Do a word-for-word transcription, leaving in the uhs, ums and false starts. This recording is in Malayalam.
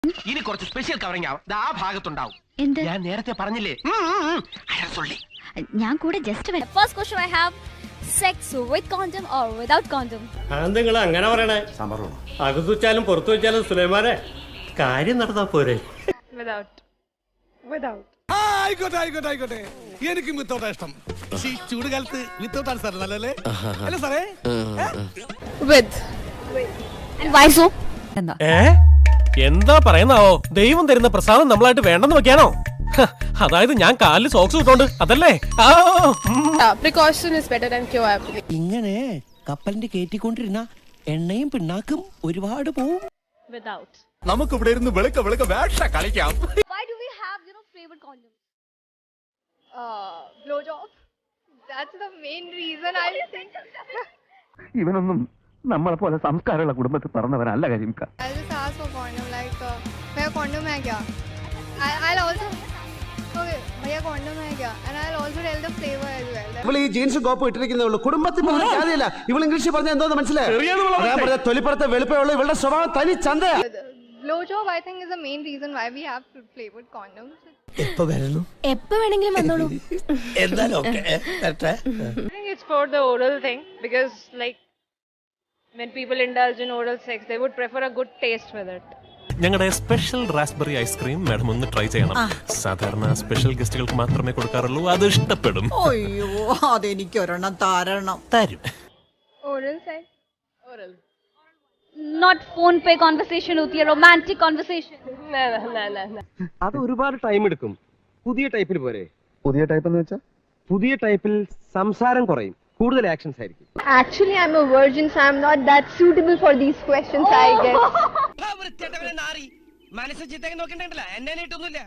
ഇനി കുറച്ച് സ്പെഷ്യൽ കവറിംഗ് ആവും ആ ഭാഗത്തുണ്ടാവും. ഞാൻ നേരത്തെ പറഞ്ഞില്ലേ, ഞാൻ കൂടെ just first question I have sex with condom or without condom. നിങ്ങൾ അങ്ങനെ പറയണേ? അകത്ത് വെച്ചാലും പുറത്തു വെച്ചാലും സുലൈമാനെ കാര്യം നടന്നാ പോരെ? വിതൗട്ട് വിതൗട്ട് ആയിക്കോട്ടെ ആയിക്കോട്ടെ ആയിക്കോട്ടെ. എനിക്കും വിത്തൗട്ടാ ഇഷ്ടം. ഈ ചൂട് കാലത്ത് വിത്തൗട്ടാണ് സാർ നല്ലല്ലേ? അല്ല സാറേ? With and why so? ഏ എന്താ പറയുന്നാവോ? ദൈവം തരുന്ന പ്രസാദം നമ്മളായിട്ട് വേണ്ടെന്ന് വെക്കാനോ? അതായത് ഞാൻ കാലിൽ സോക്സ് ഇട്ടോണ്ട് അതല്ലേ? Precaution is better than cure. ഇങ്ങനെ കപ്പലിന്റെ കേറ്റിക്കൊണ്ടിരുന്ന എണ്ണയും പിണ്ണാക്കും ഒരുപാട് പോവും. വിതൗട്ട്. നമുക്ക് ഇവിടെ ഇരുന്ന് വെളുക്ക വെളുക്ക വേഷ കളിക്കാം. Why do we have, you know, flavored condoms? Uh, blow job. That's the main reason I think. ഇവനൊന്നും നമ്മളെ പോലെ സംസ്കാരമുള്ള കുടുംബത്തിൽ പറഞ്ഞവനല്ല കരിമിക്ക. I'll just ask for condom like uh, भैया condom है क्या? I I'll also okay भैया condom है क्या? And I'll also tell the flavor as well. ഇവൾ ഈ ജീൻസും കോപ്പും ഇട്ടിരിക്കുന്നേ ഉള്ളൂ. കുടുംബത്തിൽ പോലും കാര്യമില്ല. ഇവൾ ഇംഗ്ലീഷ് പറഞ്ഞ എന്തോന്ന് മനസ്സിലായി? ഞാൻ പറഞ്ഞ തൊലിപ്പുറത്തെ വെളുപ്പമുള്ള ഇവളുടെ സ്വഭാവം തനി ചന്തയാ. Blow job I think is the main reason why we have flavored condoms. എപ്പോ വരണം? എപ്പോ വേണമെങ്കിലും വന്നോളൂ. എന്തായാലും ഓക്കേ. വരട്ടെ. I think it's for the oral thing because like when people indulge in oral sex they would prefer a good taste with it. ഞങ്ങളുടെ സ്പെഷ്യൽ റാസ്ബെറി ഐസ്ക്രീം മാഡം ഒന്ന് ട്രൈ ചെയ്യണം. സാധാരണ സ്പെഷ്യൽ ഗസ്റ്റുകൾക്ക് മാത്രമേ കൊടുക്കാറുള്ളൂ. അത് ഇഷ്ടപ്പെടും. അയ്യോ അതെനിക്ക് ഒരെണ്ണം താരണം. തരും. Oral sex? Oral. Not phone pe conversation होती है, romantic conversation. No no no no no. അത് ഒരുപാട് ടൈം എടുക്കും. പുതിയ ടൈപ്പിൽ പോരെ? പുതിയ ടൈപ്പ് എന്ന് വെച്ചാൽ പുതിയ ടൈപ്പിൽ സംസാരം കുറയും, കൂടുതൽ ആക്ഷൻസ് ആയിരിക്കും. Actually I'm a virgin so I'm not that suitable for these questions I guess. മനസ്സ് ചിത്തേക്ക് നോക്കണ്ടല്ല എന്നെ ഇട്ടൊന്നുമില്ല.